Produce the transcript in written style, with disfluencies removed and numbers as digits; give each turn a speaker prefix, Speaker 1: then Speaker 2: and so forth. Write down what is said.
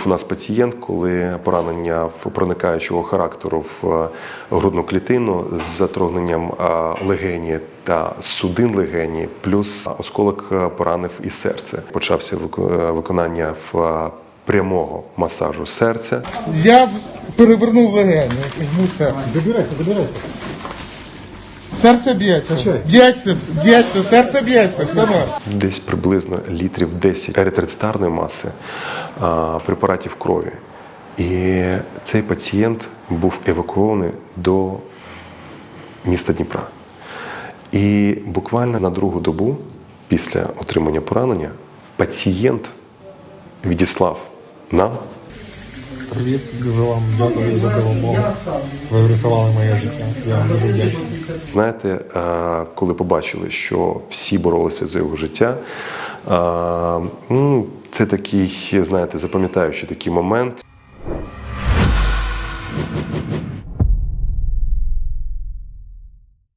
Speaker 1: Був у нас пацієнт, коли поранення проникаючого характеру в грудну клітину з затрогненням легені та судин легені, плюс осколок поранив і серце. Почався виконання прямого масажу серця.
Speaker 2: Я перевернув легені, жму серце.
Speaker 3: Добирайся.
Speaker 2: Серце б'ється, серце б'ється, саме.
Speaker 1: Десь приблизно літрів 10 еритроцитарної маси, препаратів крові. І цей пацієнт був евакуований до міста Дніпра. І буквально на другу добу після отримання поранення пацієнт відіслав нам.
Speaker 3: Привіт, дуже вам дякую за допомогу. Ви врятували моє життя. Я вам дуже вдячний.
Speaker 1: Знаєте, коли побачили, що всі боролися за його життя, це такий, знаєте, запам'ятаючий такий момент.